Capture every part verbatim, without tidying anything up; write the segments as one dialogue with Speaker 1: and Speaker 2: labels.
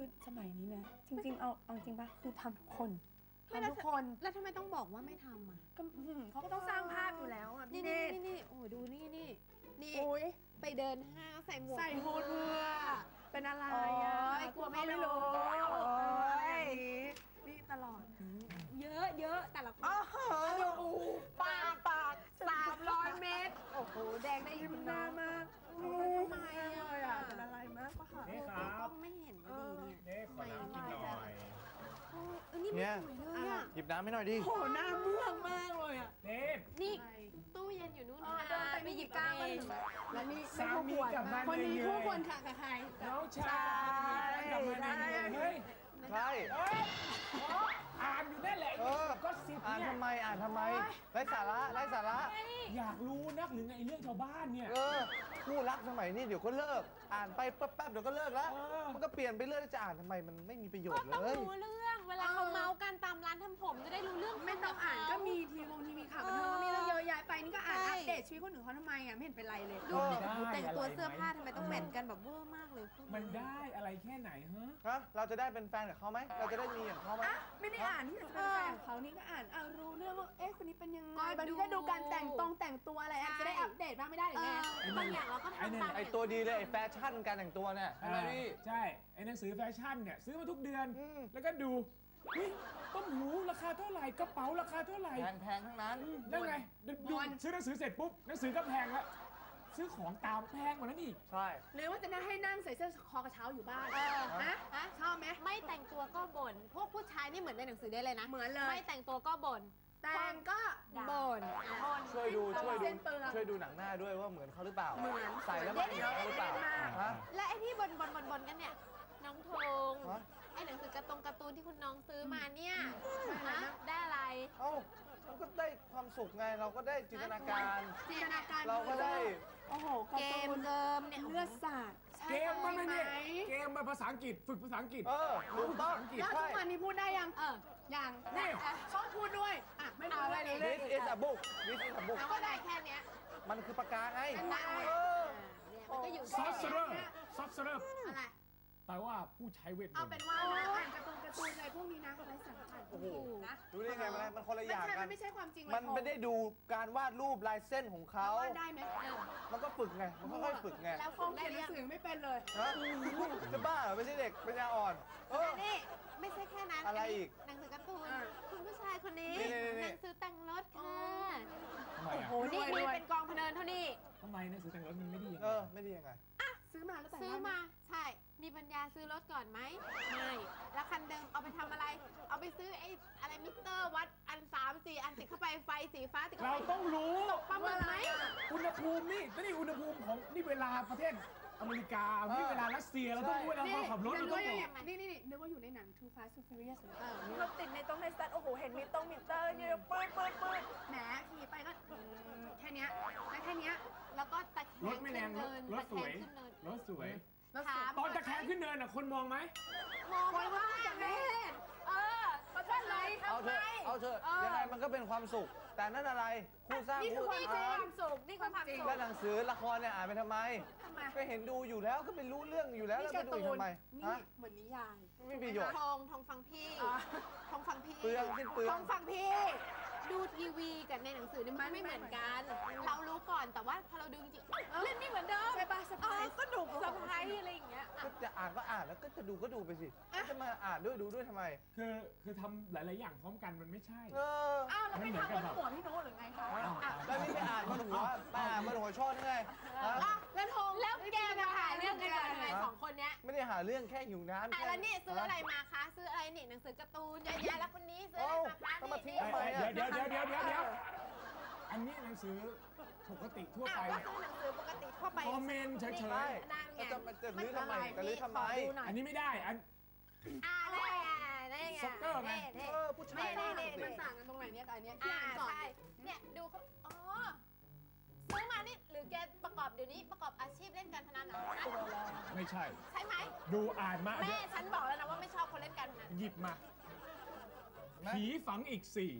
Speaker 1: คือสมัยนี้นะจริงๆเอาเอาจริงปะคือทำทุกคนทำทุกคน
Speaker 2: แล้วทำไมต้องบอกว่าไม่ทำอ่ะ
Speaker 1: ก็เขาก็ต้องสร้างภาพอยู่แล้วอ่ะพี่เนต
Speaker 2: นี่นี่โอ้ดูนี่นี่นี่ไปเดินห้างใส่หมวก
Speaker 1: ใส่ฮูดเพื่อเป็นอะไรอ่ะ
Speaker 2: กลัวไม่รู้
Speaker 1: โอ้ยนี่ตลอด
Speaker 2: เยอะเยอะแต่ละคน
Speaker 1: อ้าวปากปาก
Speaker 2: สามร้อยเมตรโอ้โหแดงได้
Speaker 1: ยิ้มหน้ามาก
Speaker 2: ทำไมอ่ะ
Speaker 1: เป็นอะไรมากปะคะ
Speaker 3: นี่ครับ
Speaker 2: ก็ไม่เห็นดีเนี่ย
Speaker 3: นี่ขอน้ำกินหน่อย
Speaker 2: เออนี่ไม่สวยเลยอ่ะ
Speaker 4: หยิบน้ำให้หน่อยดิ
Speaker 1: โหหน้าเมืองมากเลยอ่ะ
Speaker 3: นี่
Speaker 2: นี่ตู้เย็นอยู่นู่น
Speaker 1: เดินไปหยิบกางมาแล้วนี่
Speaker 3: สามีกับมัน
Speaker 1: คนนี้คู่ควรค่ะกับใคร
Speaker 3: น้องชายกับมันเฮ้ย
Speaker 4: ใช่
Speaker 3: อ่านอยู่นั่นแหละก็สิบ
Speaker 4: อ่านทำไมอ่านทำไมไร้สาระไร้สาระ
Speaker 3: อยากรู้นักหรือไงเรื่องชาวบ้านเนี่ย
Speaker 4: เออคู่รักสมัยนี้เดี๋ยวก็เลิกอ่านไปแป๊บๆเดี๋ยวก็เลิกแล้วมันก็เปลี่ยนไปเรื่อยจะอ่านทำไมมันไม่มีประโยชน์เลย
Speaker 2: ต้องรู้เรื่องเวลาเขาเมากันตามร้านทำผมจะได้รู้เรื่อง
Speaker 1: ไม่ต้องอ่านก็มีทีวงทีวีข่าวบันเทิงก็มีเรื่องเยอะแยะไปนี่ก็อ่านอัปเดตชีวิตคนอื่นเขาทำไมอ่ะไม่เห็นเป็นไรเลย
Speaker 2: ดูแต่งตัวเสื้อผ้าทำไมต้องแมทกันแบบเวอร์มากเลย
Speaker 3: มันได้อะไรแค่ไหนฮะ
Speaker 4: ฮะเราจะได้เป็นแฟนกับเขาไหมเราจะได้มีอย่างเขาไหม
Speaker 1: ไม่ได้อ่านที่จะเป็นแฟนเขานี่ก็อ่านเอารู้เรื่องว่าเอ๊ะคนนี้เป็นยังไงบางทีก็ดูการแต่งตรงแต่งตัวอะไรจะได้อัปเดตบ้างไม่ได้หรือไง
Speaker 2: บางอย่างเราก็ทำตาม
Speaker 4: ไอตัวดีเลยไอแฟชั่นการแต่งตัวเนี่ยใช่ไหมพี่
Speaker 3: ใช่ไอหนังสือแฟชั่นเนี่ยซื้อมาทุกเดือนแล้วก็ดูเฮ้ยต้มหูราคาเท่าไหร่กระเป๋าราคาเท่าไหร่
Speaker 4: แพงๆทั้งนั้น
Speaker 3: แล้วไงดูซื้อหนังสือเสร็จปุ๊บหนังสือก็แพงแล้วซื้อของตามแพงกว่านั้นอีก
Speaker 4: ใช่
Speaker 1: หรือว่าจะนั่งให้นั่งใส่เสื้อคอกระเช้าอยู่บ้านฮะฮะชอบไหม
Speaker 2: ไม่แต่งตัวก็บ่นพวกผู้ชายนี่เหมือนในหนังสือได้เลยนะ
Speaker 1: เหมือนเลย
Speaker 2: ไม่แต่งตัวก็บ่น
Speaker 1: แต่งก็
Speaker 2: บ่น
Speaker 4: ช่วยดูช่วยดูช่วยดูหนังหน้าด้วยว่าเหมือนเขาหรือเปล่า
Speaker 1: เหมือน
Speaker 4: ใส่แล้วเหมือนเขาหรือเปล่า
Speaker 2: และไอ้ที่บ่นบ่นบ่นบ่นกันเนี่ยน้องธงไอ้หนังสือการ์ตูนการ์ตูนที่คุณน้องซื้อมาเนี่ยได้อะไร
Speaker 4: เอ้าเราก็ได้ความสุขไงเราก็ได้จินตนาการ
Speaker 1: จินตนาการ
Speaker 4: เราก็ได้
Speaker 1: โอ้โห
Speaker 2: เกมเกิมเนี่ย
Speaker 1: เลือดสาด
Speaker 3: เกมมันไม่เนี่ยเกมมาภาษาอังกฤษฝึกภาษาอังกฤษ
Speaker 4: เออถูกต้อง
Speaker 1: แล้วทุกวันนี้พูดได้ยัง
Speaker 2: เออ
Speaker 1: ยังนี่ชอบพูดด้วยอ่ะไม่พูดเลย
Speaker 4: This is a book This is a book
Speaker 2: ก็ได้แค่เนี้ย
Speaker 4: มันคือปากกาไง
Speaker 2: มันก็อยู่
Speaker 3: ซอฟต์เซอร์ซอฟต์เซอร์
Speaker 2: อะไร
Speaker 3: แปลว่าผู้ใช้เวทมนต์
Speaker 1: เอาเป็นว่าอ่านการ์ตูนการ์ตูนอะไรพวกนี้นะไร้สาระ
Speaker 4: โอ้โหดูได้ไงมันมันคนละอย่างกัน
Speaker 1: ไม่ใช่ความจริง
Speaker 4: มันไม่ได้ดูการวาดรูปลายเส้นของเขา
Speaker 1: วาดได้ไหม
Speaker 4: มันก็ฝึกไงมันค่อยๆฝึกไง
Speaker 1: แล้วคงเขียนหนังสือไม่เป็นเลย
Speaker 4: จะบ้าเหรอไม่ใช่เด็กปัญญาอ่อนเออ
Speaker 2: นี่ไม่ใช่แค่นั้น
Speaker 4: อะไรอีก
Speaker 2: หนังสือการ์ตูนคุณผู้ชายคนนี้หนังสือแต่งรถค่ะ
Speaker 3: โอ้
Speaker 2: โหนี่มีเป็นกองพะเนินเท่านี้
Speaker 3: ทำไมหนังสือแต่งรถมันไม่ดี
Speaker 4: เออไม่ดียังไง
Speaker 1: ซื้อมาแล้วแต่ง
Speaker 2: ซื้อมาใช่มีปัญญาซื้อรถก่อนไหมไม่แล้วคันเดิมเอาไปทำอะไรเอาไปซื้อไอ้อะไรมิเตอร์วัดอันสามสี่อันติดเข้าไปไฟสีฟ้าติดเข้าไป
Speaker 3: เราต้องรู้
Speaker 2: ประเมินไหม
Speaker 3: อุณหภูมินี่นี่อุณหภูมิของนี่เวลาประเทศอเมริกานี่เวลารัสเซียเราต้องรู้เวลาเราขับรถเราต้องรู้
Speaker 1: นี่นี่นึกว่าอยู่ในหนัง Too Fast Too Furious เราติดในตรงในสตาร์ทโอ้โหเห็นมิเตอร์มิเตอร์เนี่ยปื๊ดปื๊ดปื๊ดแหมขี่ไปก็แค่นี้แค่นี้
Speaker 2: แล้วก็ตะแคง
Speaker 3: รถไม่แรงรถสวยรถสวยตอนตะแคงขึ้นเนินอ่ะคนมองไหม
Speaker 2: มองไม่ว่าจากแม่เออประชันเลย
Speaker 4: เอาเถอะเอาเถอะยังไงมันก็เป็นความสุขแต่นั่นอะไรคู่สร้าง
Speaker 2: นี่คือความสุขนี่คือความสุข
Speaker 4: แล้วหนังสือละครเนี่ยอ่านไปทำไมก็เห็นดูอยู่แล้วก็ไปรู้เรื่องอยู่แล้วแล้วไปดูทำไม
Speaker 1: นี่เหมือนนิยาย
Speaker 4: ไม่มีประโยชน์
Speaker 2: ทองทองฟังพี่ทองฟังพี่
Speaker 4: เปลืองสิ้นเปลือง
Speaker 2: ทองฟังพี่ดูทีวีกับในหนังสือนี่มันไม่เหมือนกันเรารู้ก่อนแต่ว่าพอเราดูจริงๆเล่นไม่เหมือนเดิม
Speaker 1: ใช่ป่ะสบาย
Speaker 2: ก็หนุกสบายอะไรอย่างเงี้ย
Speaker 4: ก็จะอ่านก็อ่านแล้วก็จะดูก็ดูไปสิจะมาอ่านด้วยดูด้วยทำไม
Speaker 3: คือคือทำหลายๆอย่างพร้อมกันมันไม่ใช่
Speaker 4: เออ
Speaker 1: อ้าวเราไม่ทำบนหัวพี่โน้ตหรือไงคะ
Speaker 4: แล้วนี่ไม่อ่านบนหัวอ่านบนหัวชอบไง
Speaker 2: แล้วทงแล้วแกมาหาเรื่องกันทำไมสองคนเนี้ย
Speaker 4: ไม่ได้หาเรื่องแค่หิวน้ำ
Speaker 2: แค่แล้วนี่ซื้ออะไรมาคะซื้ออะไรนี่หนังสือการ์ตูนเยอะแยะแล้วคนนี้ซื้ออะไรมาคะ
Speaker 4: นี่
Speaker 3: เดี๋ยวเดี๋ยวเดี๋ยวเดี๋ยวเดี๋ยวอันนี้หนังสือปกติทั่วไป
Speaker 2: ก็คือหนังสือปกติทั่วไป
Speaker 3: คอมเมนต์เฉย
Speaker 4: ๆจะจะลื้อทำไมจะลื้อทำไม
Speaker 3: อันนี้ไม่ได้อัน
Speaker 2: อะไรอ่ะได้ไง
Speaker 3: ซ็อกเกอร์ไง
Speaker 4: เออผู้ชาย
Speaker 1: มันต่างกันตรงไหนเนี่ยกับอันเนี้ย
Speaker 2: อ่าใช่เนี่ยดูเขาอ๋อซื้อมานี่หรือแกประกอบเดี๋ยวนี้ประกอบอาชีพเล่นการพนันเหรอ
Speaker 3: ไม่ใช่
Speaker 2: ใช่ไหม
Speaker 3: ดูอ่านมา
Speaker 2: แม่ฉันบอกแล้วนะว่าไม่ชอบคนเล่นการพนัน
Speaker 3: หยิบมาผีฝังอีกสี่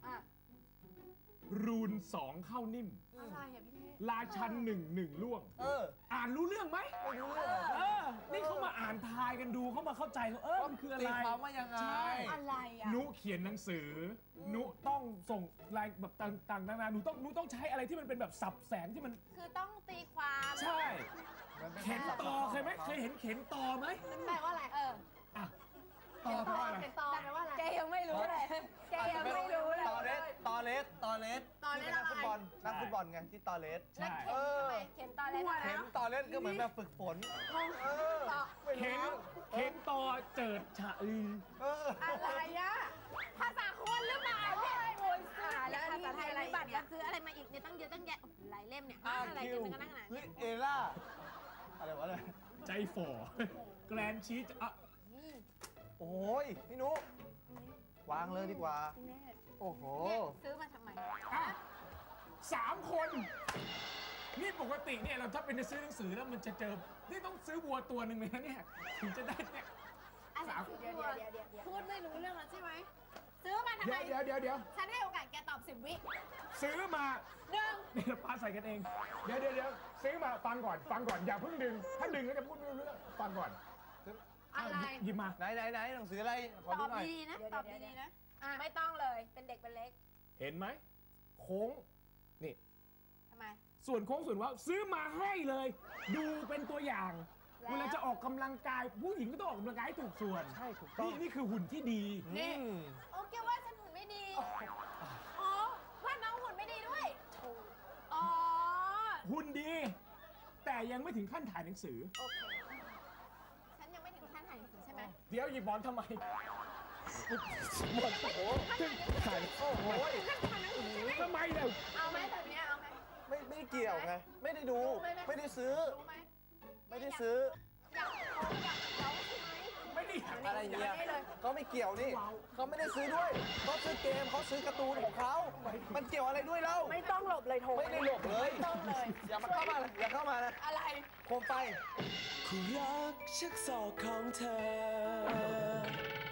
Speaker 3: รูนสองเข้านิ่ม
Speaker 1: อะไรอ่ะพี่เน
Speaker 3: ราชันหนึ่งหนึ่งล่วง
Speaker 4: เออ
Speaker 3: อ่านรู้เรื่องไหม
Speaker 4: ไม่รู้เรื่อง
Speaker 3: เออนี่เขามาอ่านอ่านทายกันดูเข้ามาเข้าใจว่าเออมันคืออะไร
Speaker 4: ตีความว่ายังไง
Speaker 3: ใช่
Speaker 1: อะไรอ่ะ
Speaker 3: นุเขียนหนังสือนุต้องส่งลายแบบต่างๆนานาหนูต้องหนูต้องใช้อะไรที่มันเป็นแบบสับแสงที่มัน
Speaker 2: คือต้องตีความ
Speaker 3: ใช่ เข็นต่อเคยไหมเคยเห็นเข็นต่อไหม
Speaker 2: มันแปลว่าอะไรเออ
Speaker 3: อ่ะต่อแปลว่าอะไร
Speaker 1: เป็นตอแปลว่าอะไร
Speaker 2: แกยังไม่รู้เลยแกยังไม่รู้เลย
Speaker 4: ตอเลสตอเลสตอเลส
Speaker 2: ตอเลส
Speaker 4: ที่เป็นนักฟุตบอล
Speaker 3: อะไร
Speaker 4: นักฟุตบอลไงที่ตอเลส
Speaker 2: แล้ว
Speaker 3: ใช่
Speaker 2: เข็มทำไมเข็มตอนแรกทำไม
Speaker 4: เห็นตอเลสก็เหมือนแบบฝึกฝนเออไม่
Speaker 3: เข็น
Speaker 4: รู้
Speaker 3: เข็นต่อเจิดฉะอือ
Speaker 4: เออ
Speaker 1: อะไรอ่ะ
Speaker 2: ภาษาคนหรือเปล่าเนี่ย
Speaker 1: โอ้ย
Speaker 2: อ่า
Speaker 1: อ่า
Speaker 2: แล้
Speaker 1: แล้ว ว
Speaker 2: ภา
Speaker 1: นี่
Speaker 2: ษาไทย
Speaker 1: อะไร
Speaker 2: มีบัตร
Speaker 1: เนี่
Speaker 2: กั
Speaker 1: ย
Speaker 2: นซื้ออะไรมาอีกเนี่ยตั้งเยอะตั้งแยะโอ้โหหลายเล่มเนี่ย
Speaker 4: อา
Speaker 2: อะไร
Speaker 4: คิ
Speaker 2: กัน
Speaker 4: ว
Speaker 2: เป็นกันนั่งไหน
Speaker 4: เฮ้ยเอล่าอะไรวะเนี่ย
Speaker 3: ใจฝ่อแกรนชีสอ่ะ
Speaker 4: โอ้ยพี่นุวางเลยดีกว่า
Speaker 1: แม่
Speaker 4: โอ้โห
Speaker 2: เนี่ยซื้อมาทำไม
Speaker 3: อ่ะสามคน นี่ปกติเนี่ยเราถ้าเป็นจะซื้อหนังสือแล้วมันจะเจอ นี่ต้องซื้อวัวตัวหนึ่งเลยนะเนี่ย ถึงจะได้เนี่ย
Speaker 2: อะไร
Speaker 3: สาม
Speaker 1: เดี๋ยวเดี๋ยวเดี๋ยวเดี๋ยวเดี๋ยว
Speaker 2: พูดไม่รู้เรื่องแล้วใช่ไหมซื้อมาทำไม
Speaker 3: เดี๋ยวเดี๋ยวเดี๋ยวเดี๋ยว
Speaker 2: ฉันให้โอกาสแกตอบสิบวิ
Speaker 3: ซื้อมา
Speaker 2: หนึ่ง
Speaker 3: เดี๋ยวปาใส่กันเอง เดี๋ยวเดี๋ยวเดี๋ยวซื้อมาฟังก่อน ฟังก่อน อย่าเพิ่งดึง ถ้าดึงก็จะพูดไม่รู้เรื่อง ฟังก่อน
Speaker 1: อะไร
Speaker 3: หยิบหยิบมา
Speaker 4: ไหนไหนไหนหนังสืออะไร ขอ
Speaker 2: ต
Speaker 4: ดู
Speaker 2: อบ
Speaker 4: หน่อย
Speaker 2: ดีๆนะตอบดีๆนะ
Speaker 1: อ่ะ
Speaker 2: ไม่ต้องเลยเป็นเด็กเป็นเล็ก
Speaker 3: เห็นไหม โค้ง นี่
Speaker 2: ทำไม
Speaker 3: ส่วนโค้งส่วนเว่าซื้อมาให้เลย ดูเป็นตัวอย่าง
Speaker 2: แล้ว
Speaker 3: เวลาจะออกกำลังกาย ผู้หญิงก็ต้องออกกำลังกายให้ถูกส่วน
Speaker 4: ใช่ถูกต้อง
Speaker 3: นี่นี่คือหุ่นที่ดี
Speaker 4: นี่
Speaker 2: โอเคว่าฉันหุ่นไม่ดี อ๋อว่าน้องหุ่นไม่ดีด้วย อ๋อ
Speaker 3: หุ่นดี แต่ยังไม่ถึงขั้นถ่ายหนังสือ
Speaker 2: โอเค ฉันยังไม่ถึงขั้นถ่ายหนังสือใช่ไหม
Speaker 3: เดี๋ยวหยิบบอลทำไม
Speaker 4: หมดโอ้โหถ่ายโอ้โห
Speaker 2: ขั้นถ่ายหนังสือใช่ไหม
Speaker 3: ทำไมเนี่ย
Speaker 1: เอาไหมแบบเนี้ยเอาไหม
Speaker 4: ไม่ไม่ได้เกี่ยวไง ไม่ได้ดู ไม่ได้ซื้อ
Speaker 1: รู้ไหม
Speaker 4: ไม่ได้ซื้อ
Speaker 2: อยากเอาอยากเอาใช่ไหม
Speaker 3: ไม่ได้อยาก
Speaker 4: อะไรเงี้ย
Speaker 1: นี่เลย
Speaker 4: เขาไม่เกี่ยวนี่ เขาไม่ได้ซื้อด้วยเขาซื้อเกมเขาซื้อการ์ตูนของเขา มันเกี่ยวอะไรด้วยเล่า
Speaker 1: ไม่ต้องหลบเลยโทร
Speaker 4: ไม่ได้หลบเลย
Speaker 1: ไม่ต้องเลย
Speaker 4: อย่ามาเข้ามาเลยอย่าเข้ามานะ
Speaker 1: อะไร
Speaker 4: โคมไฟ
Speaker 5: คู่รักชักศอกของเธอ